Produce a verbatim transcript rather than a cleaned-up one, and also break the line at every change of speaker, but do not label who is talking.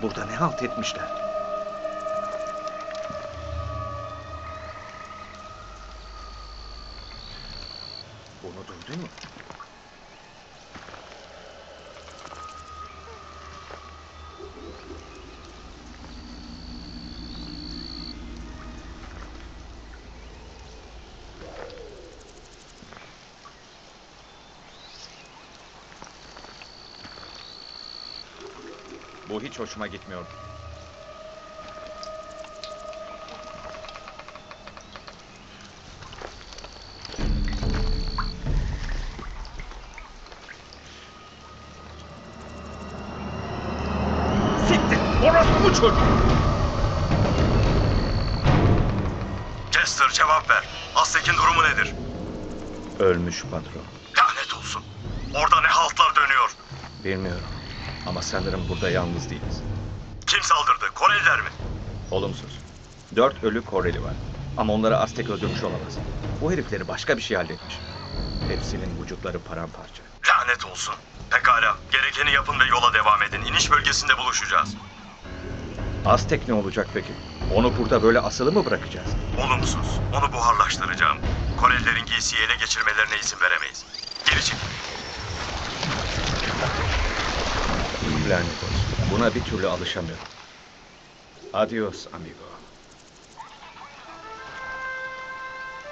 Burada ne halt etmişler? Bunu duydun mu? Bu hiç hoşuma gitmiyor. Siktir! Orası bu çocuk!
Chester, cevap ver. Aztek'in durumu nedir?
Ölmüş patron.
Lanet olsun. Orada ne haltlar dönüyor?
Bilmiyorum. Ama sanırım burada yalnız değiliz.
Kim saldırdı? Koreliler mi?
Olumsuz. Dört ölü Koreli var. Ama onları Aztek öldürmüş olamaz. Bu herifleri başka bir şey halletmiş. Hepsinin vücutları paramparça.
Lanet olsun. Pekala. Gerekeni yapın ve yola devam edin. İniş bölgesinde buluşacağız.
Aztek ne olacak peki? Onu burada böyle asılı mı bırakacağız?
Olumsuz. Onu buharlaştıracağım. Korelilerin giysiyi ele geçirmelerine izin veremeyiz. Geri çekil.
Lanet olsun. Buna bir türlü alışamıyorum. Adios amigo.